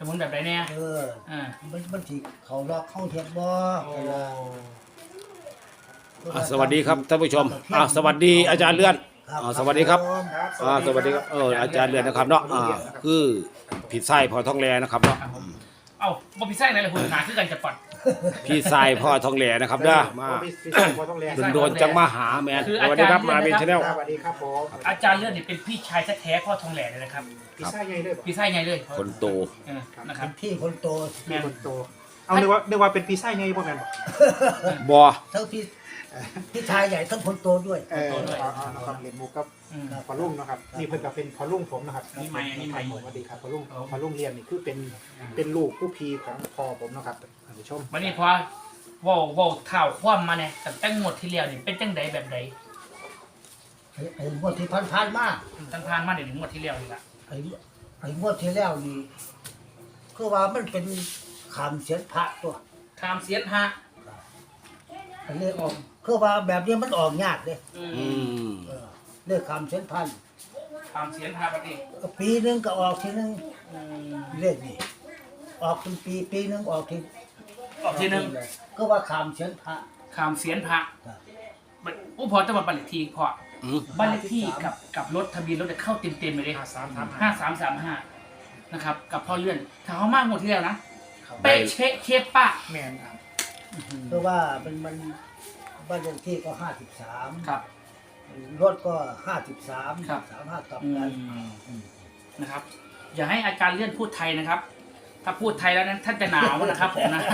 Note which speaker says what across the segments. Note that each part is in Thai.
Speaker 1: มุนแบบไหนเนี่ย
Speaker 2: มันสิเขาล็อกเข้าเทียบบ่
Speaker 3: สวัสดีครับท่านผู้ชมสวัสดีอาจารย์เลื่อนสวัสดีครับสวัสดีครับอาจารย์เลื่อนนะครับเนาะคือผิดไส้พอท้องแลนะครับเนาะ
Speaker 1: บ่ผิดไส้ไหนเลยคุณหาคือกันจะปัด
Speaker 3: พี่ไส้พ่อท้องแลนะครับเด้อมาโดนจังมาหาแมนสวัสดีครับมาเป็นชาแนล
Speaker 4: สวัสดีครับผม
Speaker 1: อาจารย์เลื่อนเนี่ยเป็นพี่ชายแท้ๆพ่อทองแหล่เลยนะครับ
Speaker 4: พี่ไส้ใหญ่เลย
Speaker 1: พี่ไส้ใหญ่เลย
Speaker 3: คนโต
Speaker 1: นะครับ
Speaker 2: พี่คนโต
Speaker 1: แม่
Speaker 4: คนโตเอานึกว่าเป็นพี่ไส้ใหญ่บ่แม่น
Speaker 3: บ่
Speaker 2: ทั้งพี่ชายใหญ่ทั้งคนโตด้วย
Speaker 4: นะครับเรียนมุกกับพอลุ่งนะครับนี่เพิ่นก็เป็นพอลุ่งผมนะครับ
Speaker 1: นี่ใหม่
Speaker 4: สวัสดีครับพอลุ่งเรียนนี่คือเป็นลูกผู้พีของพ่อผมนะครับท่านผู้ชม
Speaker 1: วันนี้พอว่าข่าวคว่ำมาเนี่ยตั้งหมดที่แล้วนี่เป็นจังใดแบบใด
Speaker 2: ไอ้งวดที่ผ่านมา
Speaker 1: ผ่านมาเดี๋ยวถึงหมดที่แล้วนี่ละ
Speaker 2: ไอ้งวดที่แล้วนี่คือว่ามันเป็นขามเสียนพระตัว
Speaker 1: ขามเสียนพระ
Speaker 2: อันนี้ออกคือว่าแบบนี้มันออกยากเลยเรื่องขามเสียนพัน
Speaker 1: ขามเสียนพระปฏิ
Speaker 2: ปีนึงก็ออกทีนึงเรื่องนี้ออกเป็นปีนึงออกทีนึงก็ว่าขามเสียนพระ
Speaker 1: ขามเสียนพระพอจะมาบัตรเลขที่พอบ้านเลขที่กับรถทะเบียนรถจะเข้าเต็มๆเลย5335นะครับกับพ่อเลื่อนถ้าเขามากหมดที่แล้วนะเป๊ะเช็คเคปป้า
Speaker 4: แม่น
Speaker 2: เพราะว่ามันบ้านเลขที่ก็53
Speaker 1: ครับ
Speaker 2: รถก็53
Speaker 1: ครับ
Speaker 2: 35กลับกัน
Speaker 1: นะครับอย่าให้อาจารย์เลื่อนพูดไทยนะครับถ้าพูดไทยแล้วนั้นท่านจะหนาวนะครับผมนะ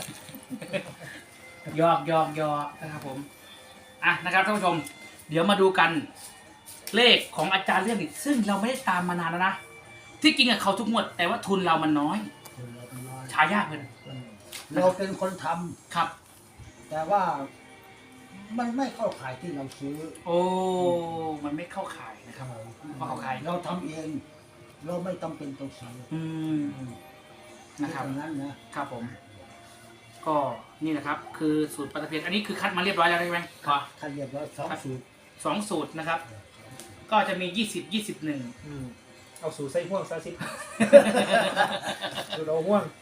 Speaker 1: ยอกนะครับผมนะครับท่านผู้ชมเดี๋ยวมาดูกันเลขของอาจารย์เลื่อนอีกซึ่งเราไม่ได้ตามมานานแล้วนะที่กินกับเขาทุกงวดแต่ว่าทุนเรามันน้อยฉายากเลย
Speaker 2: เราเป็นคนท
Speaker 1: ำครับ
Speaker 2: แต่ว่ามันไม่เข้าขายที่เราซื้อ
Speaker 1: มันไม่เข้าขายนะครับเพราะเขาขาย
Speaker 2: เราทำเองเราไม่ต้องเป็นตัวซื้อ
Speaker 1: นะครับ
Speaker 2: นั้นนะครับ
Speaker 1: ผมก็นี่นะครับคือสูตรปลาตะเพียนอันนี้คือคัดมาเรียบร้อยแล้วใช่ไหมครับ
Speaker 2: คัดเรียบร้อย
Speaker 1: 2 สูตรนะครับก็จะมี20 21
Speaker 4: เอาสูตรใส่ห่วงซะสิสูตรเอาห่วง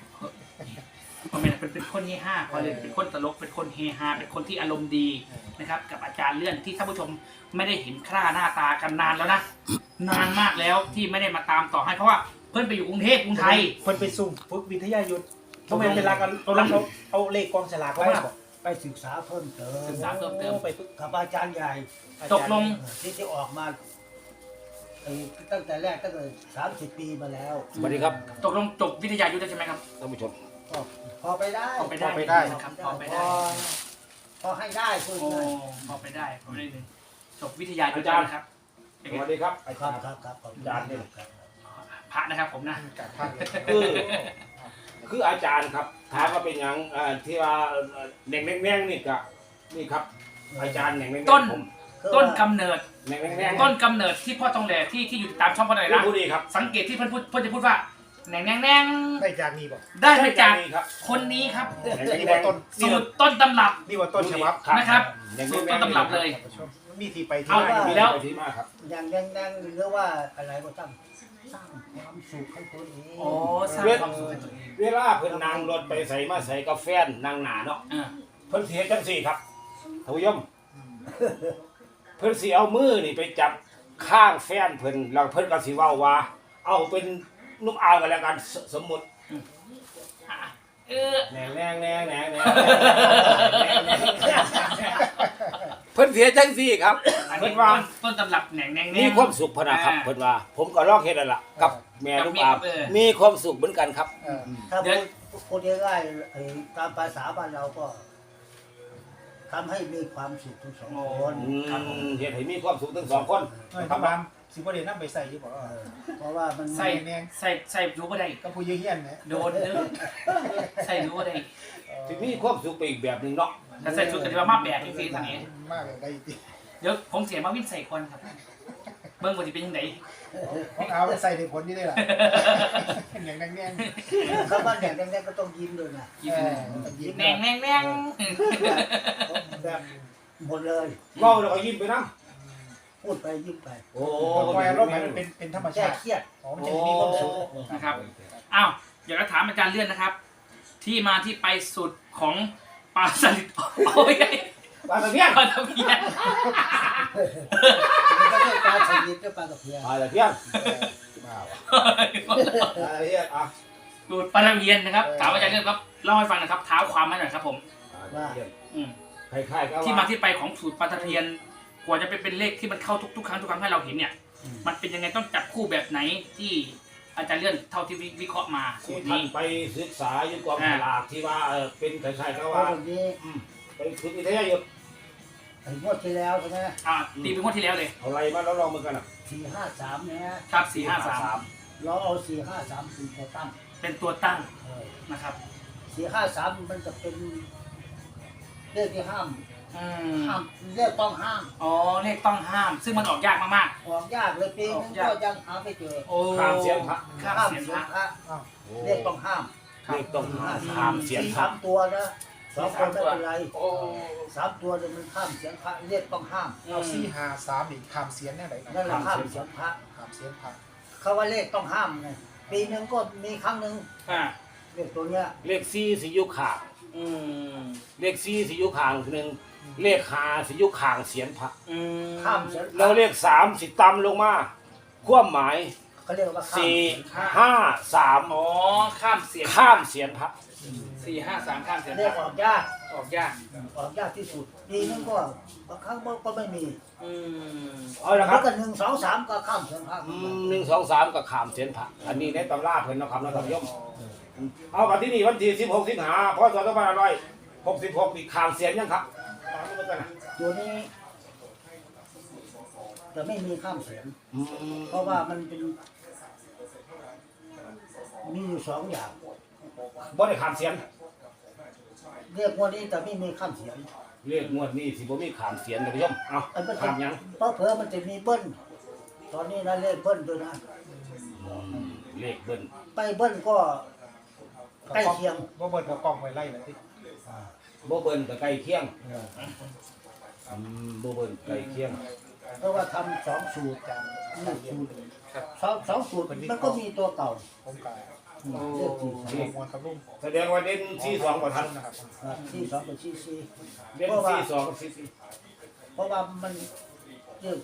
Speaker 1: เป็นคนเฮฮาพอเลยเป็นคนตลกเป็นคนเฮฮาเป็นคนที่อารมณ์ดีนะครับกับอาจารย์เลื่อนที่ท่านผู้ชมไม่ได้เห็นค่าหน้าตากันนานแล้วนะนานมากแล้วที่ไม่ได้มาตามต่อให้เพราะว่าเพื่อนไปอยู่กรุงเทพกรุงไทย
Speaker 4: เพื่อนไปซุ่มฝึกวิทยายุทธทำไมเวลากันเอาเลขกองฉลากเขา
Speaker 2: ไปศึกษาเพิ่มเติ
Speaker 1: ม
Speaker 2: ไปฝึกกับอาจารย์ใหญ่
Speaker 1: ตกลง
Speaker 2: ที่ออกมาตั้งแต่แรกตั้งแต่30 ปีมาแล้ว
Speaker 3: สวัสดีครับ
Speaker 1: ตกลงจบวิทยายุทธใช่ไหมครับ
Speaker 3: ท่านผู้ชม
Speaker 2: พอไปได้
Speaker 1: นะครับพอไปได้
Speaker 2: พอให้ได้คุณ
Speaker 1: พอไปได้จบวิทยายุทธนะครับ
Speaker 3: สวัสดีครับ
Speaker 2: ครับ
Speaker 3: อาจารย์เนี่ย
Speaker 1: พระนะครับผมนะ
Speaker 3: คืออาจารย์ครับถามว่าเป็นอย่างที่ว่าแหน่งแน่งนี่ก็นี่ครับอาจารย์แหน่งแน่ง
Speaker 1: ต้นกำเนิด
Speaker 3: ต้
Speaker 1: นกำเนิดที่พ่อทองแหล่ที่อยู่ตามช่องพ่อทองแหล่นะสังเกตที่เพื่อนจะพูดว่าแหน่ง
Speaker 4: ได้จากนี้บ่
Speaker 1: ได้มาจากคนนี้ครับสูตรต้นตำรับ
Speaker 4: นี่ว่าต้นฉบับ
Speaker 1: นะครับสูตรต้นตำรับเลย
Speaker 4: มีที่ไปที่มา
Speaker 1: แล้ว
Speaker 2: อย่างแดงหรือว่าอะไรก็ตั้งสร้างความสุขให้ตัวเอง
Speaker 1: สร้างความสุขให้ตัวเอง
Speaker 3: เวลาเพิ่นนั่งรถไปใส่มาใส่กาแฟนั่งหนาเนาะเพิ่นเสียจังสี่ครับท่านผู้ชมเพิ่นสิเอามือนี่ไปจับข้างแฟนเพิ่นแล้วเพิ่นก็สิเว้าว่าเอาเป็นนุ่มอ่าวกันแล้วกันสมมุติแหน่เพิ่นเสียจังสี่ครับ
Speaker 1: เพิ่นว่าต้นตำรับแหน่ง
Speaker 3: มีความสุขพนะครับเพิ่นว่าผมก็ลองเฮ็ดนั่นล่ะกับแม่นุ่มอ่าวมีความสุขเหมือนกันครับ
Speaker 2: ถ้าพูดง่ายๆตามภาษาบ้านเราก็ทำให้มีความสุขทั้งสองคน
Speaker 3: เฮ็ดให้มีความสุขทั้งสองคน
Speaker 4: ครับบ้านสิบ่ได้นำไปใส่อยู่บ่
Speaker 2: เพราะว่ามัน
Speaker 1: ใส่อยู่บ่ได้
Speaker 4: ก็ผู้เฮียนเนี่ย
Speaker 1: โดนใส่อยู่บ่ได้
Speaker 3: สิมีความสุขไปอีกแบบนึงเนาะ
Speaker 1: ถ้าใส่ชุดก็สิว่ามาแบบจังซี่ซั่นนี่
Speaker 4: มากได้ติ
Speaker 1: เดี๋ยวผมเสียมาวิ่งใส่ก่อนครับเบิ่งว่าสิเป็นจังได๋
Speaker 4: ของเอาใส่ได้ผลอยู่ได้ล่ะอย่างแดง
Speaker 2: ๆครับว่าแดงๆก็ต้องยิ้มด้วยนะ
Speaker 1: แดง
Speaker 2: แบบหมดเลย
Speaker 3: เว้าแล้วก็ยิ้มไปนำ
Speaker 2: พูดไปยิ้มไป
Speaker 4: ปล่อยอารมณ์ให้มันเป็นธรรมชาติ
Speaker 2: เครียด
Speaker 4: มันจะมีความสุข
Speaker 1: นะครับอ้าวามอาจารย์เลื่อนนะครับ ที่มาที่ไปสุดของปลาสลิดโอ้ย
Speaker 3: ปลาตะเพียน
Speaker 1: ปลาตะเพียน
Speaker 2: มันก็ได้ปลาสลิดก็ปลากระเพียน
Speaker 3: ปลาตะเพียนบ้าวะปลาตะเพียนอ่ะ
Speaker 1: สูตรปลาตะเพียนนะครับถามอาจารย์เลื่อนครับเล่าให้ฟังนะครับเท้าความมาหน่อยครับผม
Speaker 3: ปลาตะเพียน
Speaker 1: อืม
Speaker 3: คล้ายๆกับ
Speaker 1: ที่มาที่ไปของสูตรปลาตะเพียนกว่าจะเป็นเลขที่มันเข้าทุกครั้งให้เราเห็นเนี่ย มันเป็นยังไงต้องจับคู่แบบไหนที่อาจารย์เลื่อนเท่าที่วิเคราะห์มาสู
Speaker 3: ที่
Speaker 1: ตร
Speaker 3: ท่าน
Speaker 1: นี้
Speaker 3: ไปศึกษาอยู่กองฉลากที่ว่าเป็นคล้ายๆกับ
Speaker 2: เพ
Speaker 3: ว่า
Speaker 2: ราะวันนี้
Speaker 3: ไปฝึกวิทยายุทธ์
Speaker 2: ไอ้งวดที่แล้วใช่ไหม
Speaker 1: ตีเป็นงวดที่แล้วเลย
Speaker 3: เอาอะไรมาแล้วลองมือกันอ่ะ
Speaker 2: 453เนี่ย
Speaker 1: ครับ453
Speaker 2: เราเอา453เป็นตัวตั้ง
Speaker 1: เป็นตัวตั้ง
Speaker 2: เออ
Speaker 1: นะครับ
Speaker 2: 453มันจะเป็นเลขที่ห้าม
Speaker 1: อืม
Speaker 2: ห้ามเลขต้องห้าม
Speaker 1: อ๋อเลขต้องห้าม ซึ่งมันออกยากมาก
Speaker 2: ออกยากเลยปีนึงก็ยังหาไม่เจอ
Speaker 1: ๆโอ้
Speaker 3: ข้ามเสียงพระ
Speaker 1: ข้าม
Speaker 2: ห้าม
Speaker 1: เสียง
Speaker 2: เสี
Speaker 1: พ
Speaker 2: ย
Speaker 1: ระ
Speaker 2: งพระ
Speaker 4: อ้าว
Speaker 2: เลขต้องห้าม
Speaker 3: เลขต้องข้ามเสียงพระ
Speaker 2: 3ตัวนะ2ตัวไม่เป็นไร
Speaker 1: โอ้
Speaker 2: 3ตัวเนี่ยมันข้ามเสียงพระเลขต้องห้าม
Speaker 4: เอา453อีกขามเสียนแน่ไหนนะ
Speaker 2: นั่นแหละข้ามเสียงพระ
Speaker 4: ขามเสียนพระ
Speaker 2: เขาว่าเลขต้องห้ามไงปีนึงก็มีครั้งหนึ่ง
Speaker 1: อ่า
Speaker 2: เลขตัวเนี้ย
Speaker 3: เลขสี่สิยุขาง
Speaker 1: อืม
Speaker 3: เลขสี่สิยุขางหนึ่งเลขห้าสิยุขางเสียงพระ
Speaker 1: อืม
Speaker 2: ข้ามเสียงพ
Speaker 3: แล้ว
Speaker 2: ระ
Speaker 3: เลขสามสิต่ำลงมาความหมาย
Speaker 2: เขาเรียกว่าข้าม
Speaker 3: สี่
Speaker 2: เสียงพระ
Speaker 3: ห้าสาม
Speaker 1: อ๋อข้ามเสียง
Speaker 3: ข้ามเสียงพระ
Speaker 1: 453ข้ามเสียง
Speaker 2: เล
Speaker 1: พ
Speaker 2: ขอ
Speaker 1: ระ
Speaker 2: อกยาก
Speaker 1: ออกยาก
Speaker 2: ออกยากที่สุดปีนึงก็บางครั้งก็ไม่มี
Speaker 1: อืม
Speaker 3: เอาละค
Speaker 2: แล้
Speaker 3: รั
Speaker 2: ว
Speaker 3: บ
Speaker 2: ก็1 2 3ก็ข้ามเสียงพระ
Speaker 3: หนึ่งสองสามกับขามเสียงพระอันนี้ในตำราเพิ่นนะครับนะท่านผู้ชมเอากันที่นี่วันที่16สิงหาพศ2566อีกขามเสียงยังครับตามนี้แล้วกันนะ
Speaker 2: ตัวนี้จะไม่มีข้ามเสียง
Speaker 3: อืม
Speaker 2: เพราะว่ามันเป็นมีอยู่2อย่าง
Speaker 3: บ่ได้ขามเสียง
Speaker 2: เรียกว่านี้จะไม่มีข้ามเสียง
Speaker 3: เลขงวดนี้สิบ่มีขามเสียงท่านผู้ชมเอา
Speaker 2: อันมัน
Speaker 3: ขามยัง
Speaker 2: เพราะเผื่อมันจะมีเบิ้ลตอนนี้นะเลขเบิ้ลด้วยนะ
Speaker 3: เลขเบิ้ล
Speaker 2: ไปเบิ้ลก็ใกล้เคียง
Speaker 4: บ่เบิดบ่กล้องไว้ไล่เลยที่
Speaker 3: บ่เบิ้ลก็ใกล้เคียงบ่เบิ้ลใกล้เคียง
Speaker 2: เพราะว่าทำ2สูตรจากนี่สูตรสองสูตรมันก็มีตัวเก่า
Speaker 4: ผมกับ
Speaker 2: เลขที่
Speaker 4: เรียกมวลกับลุง
Speaker 3: แสดงว่าเด่น42บ่ทัน
Speaker 4: นะครับ
Speaker 2: ที่2กับที่สี่
Speaker 3: เด่น42กับ44
Speaker 2: เพราะว่ามันเลข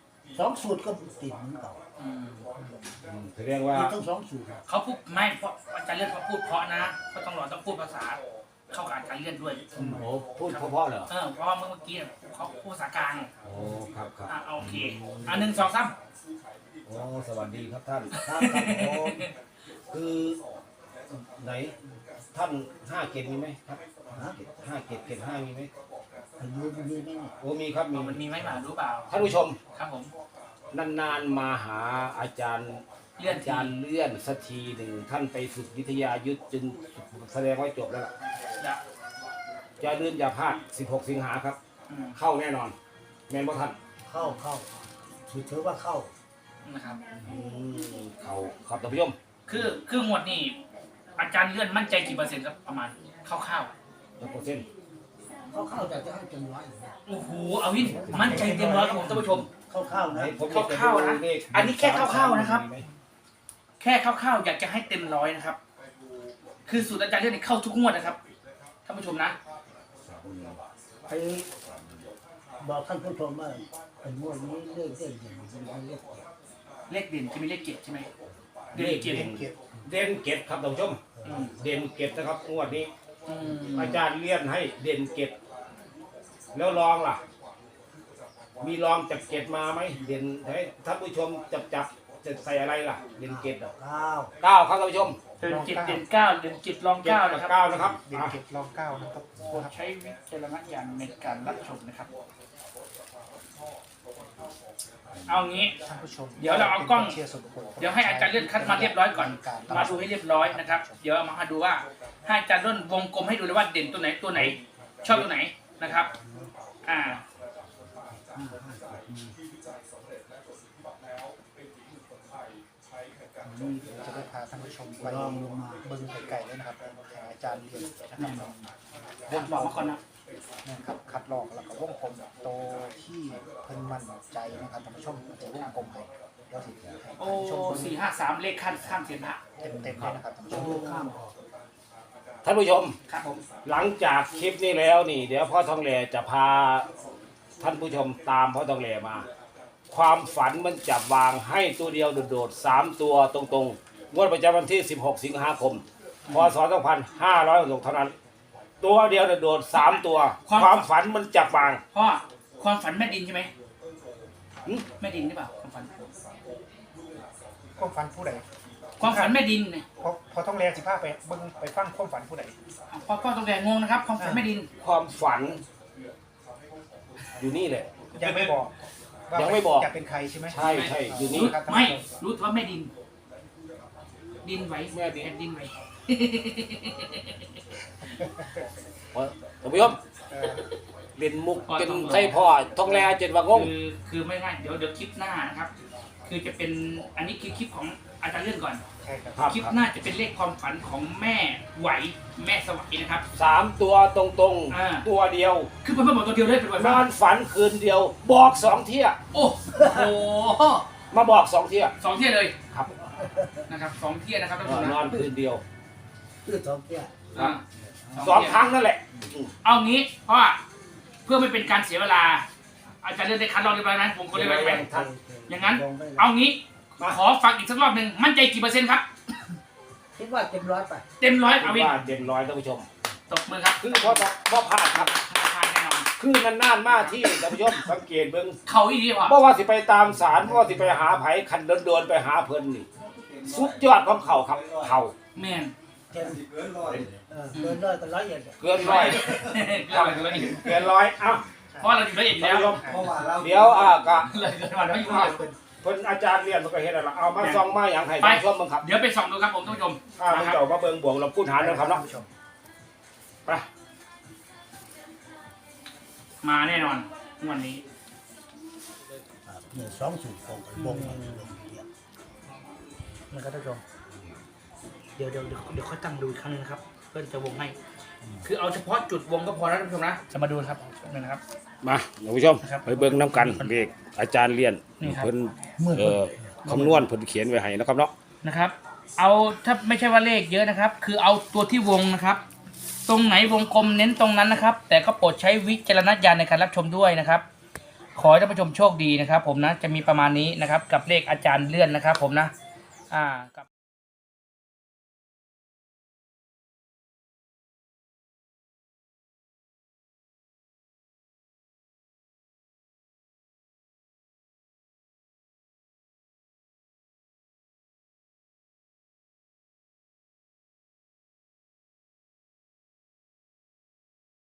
Speaker 2: 2สูตรก็ติดเหมือนเก่า
Speaker 3: แสดงว่า
Speaker 2: ติดทั้ง2สูตร
Speaker 1: เขาพูดไม่เพราะอาจารย์เลื่อนเขาพูดเพราะนะก็ต้องพูดภาษาเข้ากับอาจารย์เลื่อนด้วย
Speaker 3: โอ้พูดเพราะๆเหรอ
Speaker 1: เพราะว่าเมื่อกี้เขาพูดภาษากลาง
Speaker 3: โอ้ครับครับ
Speaker 1: โอเค1 2 3
Speaker 3: โอ้สวัสดีครับท่าน
Speaker 2: ครับครับผม
Speaker 3: คือไหนท่าน5เกตมีไหมครับ
Speaker 2: ฮะ
Speaker 3: 5เกตเกต5มีไหม
Speaker 2: อายุมันมีไหมเนี่ย
Speaker 3: โอ้มีครับมี
Speaker 1: มันมีไหมมารู้เปล่า
Speaker 3: ท่านผู้ชม
Speaker 1: ครับผม
Speaker 3: นานๆมาหาอาจารย์
Speaker 1: เลื่อน
Speaker 3: อาจารย์เลื่อนสักทีหนึ่งท่านไปฝึกวิทยายุทธจนแสดงว่าจบแล้วล่ะ
Speaker 1: จะ
Speaker 3: อย่าลืมอย่าพลาด16 สิงหาครับ เข้าแน่นอน แมนบ่ท่าน
Speaker 2: เข้าถือว่าเข้า
Speaker 1: นะครับ
Speaker 3: เข้าครับท่านผู้ชม
Speaker 1: คือหมวดนี่อาจารย์เลื่อนมั่นใจกี่เปอร์เซ็นต์ครับประมาณคร่าว
Speaker 3: 100%เส้น
Speaker 2: เข้าแต่จะให้เต็มร้อย
Speaker 1: ๆโอ้โหเอาวินมั่นใจเต็มร้อยครับผมท่านผู้ชม
Speaker 2: เข้านะ
Speaker 3: ผม
Speaker 1: คร่าวๆนะอันนี้แค่คร่าวๆนะครับ แค่คร่าวๆอยากจะให้เต็มร้อยนะครับ คือสูตรอาจารย์เลื่อนนี่เข้าทุกงวดนะครับท่านผู้ชมนะ
Speaker 2: ไปบอกท่านผู้ชมว่าเป็นงวดนี้เลขอย่างเป็นเลข
Speaker 1: เลขเด่นจะมีเลขเจ็ดใช่ไหม
Speaker 3: เลขเด่นเด่นเกตครับท่านผู้ชม เด่นเกตนะครับงวดนี้ อาจารย์เลี่ยนให้เด่นเกตแล้วลองล่ะ มีลองจากเกตมาไหมเด่นให้ท่านผู้ชมจับจะใส่อะไรล่ะ เด่นเกตอ่ะ 9ครับท่านผู้ชม
Speaker 1: เด่นจิตเด่นเก้าเด่นจิตลอง
Speaker 3: เจ็ด
Speaker 1: เก้า
Speaker 3: กั
Speaker 1: นะ
Speaker 3: บ
Speaker 1: ครับ
Speaker 3: 9นะครับ
Speaker 4: เด็กเก็บรองเก้านะครับ
Speaker 1: โปรดใช้วิจารณญาณในการรับชมนะครับ เอางี้
Speaker 4: ท่านผู้ชม
Speaker 1: เดี๋ยวเราเอากล้อง
Speaker 4: เชียร์ส่วนบุคคล
Speaker 1: เดี๋ยวให้อาจารย์เลื่อนคัดมาเรียบร้อยก่อน มาดูให้เรียบร้อยนะครับ เดี๋ยวเอามาดูว่าให้อาจารย์เลื่อนวงกลมให้ดูเลยว่าเด่นตัวไหนชอบตัวไหนนะครับ
Speaker 4: จะได้พาท่านผู้ชมไป
Speaker 2: ลองลงมา
Speaker 4: เบิ้งไก่ๆเลยนะครับหาอาจารย์เรียนนะครับ
Speaker 1: บอกมาก่อนนะ
Speaker 4: นะครับคัดลอกแล้วก็วงกลมโตวที่เพิ่นมั่นใจนะครับท่านผู้ชมจะวงกลมให้
Speaker 1: โอ้453เลขข้ามเสียนพระ
Speaker 4: เต็มๆเลยนะครับท่านผู้ชม
Speaker 2: ข้ามออก
Speaker 3: ท่านผู้ชม
Speaker 1: ครับผม
Speaker 3: หลังจากคลิปนี้แล้วนี่ เดี๋ยวพ่อทองแหล่จะพาท่านผู้ชมตามพ่อทองแหล่มา ความฝันมันจับวางให้ตัวเดียวโดดๆ3ตัวตรงๆงวดประจำวันที่ 16 สิงหาคม พศ 2566 เท่านั้น ตัวเดียวโดดๆ3ตัว ความฝันมันจับวาง
Speaker 1: พ่อความฝันแม่ดินใช่ไหม
Speaker 3: หึ
Speaker 1: แม่ดินหรือเปล่าความฝัน
Speaker 4: ความฝันผู้ใด
Speaker 1: ความฝันแม่ดินเนี่ย
Speaker 4: พอต้องแรงสิพาไปเบิ่งไปฟังความฝันผู้ใด
Speaker 1: พ่อต้องแรงงงนะครับความฝันแม่ดิน
Speaker 3: ความฝัน อยู่นี่แหละ
Speaker 4: ยังไม่บอกว่า
Speaker 3: ยังไม่บอก
Speaker 4: จะเป็นใครใช่ไหม
Speaker 3: ใช่ใช่อยู่นี่
Speaker 1: ไม่รู้แต่ว่าแม่ดิน ดินไหว
Speaker 3: แม่ดิน
Speaker 1: ดินไหว
Speaker 3: ท่านผู้ชม
Speaker 4: เออ
Speaker 3: เล่นมุกเป็นไส้พ่อทองแหล่เจ็ดว่างง
Speaker 1: คือไม่ง่ายเดี๋ยวคลิปหน้านะครับ คือจะเป็นอันนี้คือคลิปของอาจารย์เลื่อนก่อน
Speaker 4: ใช่ครับ
Speaker 3: ครับ
Speaker 1: คลิปหน้าจะเป็นเลขความฝันของแม่ไหวแม่สวัยนะครับ
Speaker 3: 3 ตัวตรง
Speaker 1: อ่า
Speaker 3: ๆ ตัวเดียว
Speaker 1: คือเป็นเพื่อนบอกตัวเดียวเลยเป็นวัน
Speaker 3: นอนฝันคืนเดียว บอก2 เที่ย
Speaker 1: โอ้โห
Speaker 3: มาบอก2 เที่ย
Speaker 1: สองเที่ยเลย
Speaker 3: ครับ
Speaker 1: นะครับสองเที่ยนะครับท่าน
Speaker 3: เอ
Speaker 1: ผู้ช
Speaker 3: อ
Speaker 1: ม
Speaker 3: นอนคืนเดียว
Speaker 2: คือท้องเที่ย
Speaker 1: อ่า
Speaker 3: 2 ครั้งนั่นแหละ
Speaker 1: เอางี้เพราะว่าเพื่อไม่เป็นการเสียเวลา อาจารย์เลื่อนได้คัดลอกเรียบร้อยไหมผมก็เรียบร้อยไหม อย่างนั้น เอางี้
Speaker 3: มา
Speaker 1: ขอฟังอีกสักรอบหนึ่งมั่นใจกี่เปอร์เซ็นต์ครับ
Speaker 2: คิดว่าเต็มร้อยไป
Speaker 1: เต็มร้อย
Speaker 3: คิ
Speaker 1: เอา
Speaker 3: ด
Speaker 1: วิน
Speaker 3: ว่าเด่นร้อยท่านผู้ชม
Speaker 1: ตบมือครับ
Speaker 3: คือพ่อพลาดครับ
Speaker 1: ทานแน่นอน
Speaker 3: คือนานๆมาที่ท่านผู้ชมสังเกตเบิ่ง
Speaker 1: เขาอีดีกว่า
Speaker 3: เพราะว่าสิไปตามศาลเพราะว่าสิไปหาไผคันโดนๆไปหาเพิ่นนี่สุดยอดของเขาครับเขา
Speaker 1: แม่น
Speaker 2: เต็มเกินร้อยก็ร้อยเอ็ด
Speaker 3: เกินร้อย
Speaker 1: เกินไปเลย
Speaker 3: เกินร้อยเอ้า
Speaker 1: เพราะเราอยู่ละเอียดอยู่
Speaker 3: ท่าน
Speaker 1: แล้ว
Speaker 3: ผู้ชมเดี๋ยวก็
Speaker 1: เลยเกินมาแล้วอยู่ละเอียด
Speaker 3: เพิ่นอาจารย์เรียนมันก็เฮ็ดแล้วล่ะเอามาส่องมาอย่างให้
Speaker 1: ไป
Speaker 3: ท่านผู้ชมเบิ่งครับ
Speaker 1: เดี๋ยวไปส่องดูครับผมท่านผู้ชม
Speaker 3: มึงเจ้ามาเบิ่งบวกเราพูดหารนะครับเนาะ
Speaker 4: ท่านผู้ชม
Speaker 3: ไป
Speaker 1: มาแน่นอนวันนี้
Speaker 2: เนี่ยสองสูตรของวงมันลงเดียว
Speaker 1: นะครับท่านผู้ชมเดี๋ยวค่อยตั้งดูอีกครั้งนึงนะครับเพื่อนจะวงให้ คือเอาเฉพาะจุดวงก็พอแล้วท่านผู้ชมนะจะมาดูนะครับนะครับ
Speaker 3: มาท่านผู้ชม
Speaker 1: ครับ
Speaker 3: ไปเบิ่งน้ำกันเลขอาจารย์เรียน
Speaker 1: นี่ครับ
Speaker 3: เพิ่น
Speaker 2: เมื่อ
Speaker 3: คำนวณเพิ่นเขียนไว้ให้นะครับเนาะ
Speaker 1: นะครับ เอาถ้าไม่ใช่ว่าเลขเยอะนะครับ คือเอาตัวที่วงนะครับ ตรงไหนวงกลมเน้นตรงนั้นนะครับ แต่ก็โปรดใช้วิจารณญาณในการรับชมด้วยนะครับ ขอให้ท่านผู้ชมโชคดีนะครับ ผมนะจะมีประมาณนี้นะครับ กับเลขอาจารย์เลื่อนนะครับ ผมนะกับ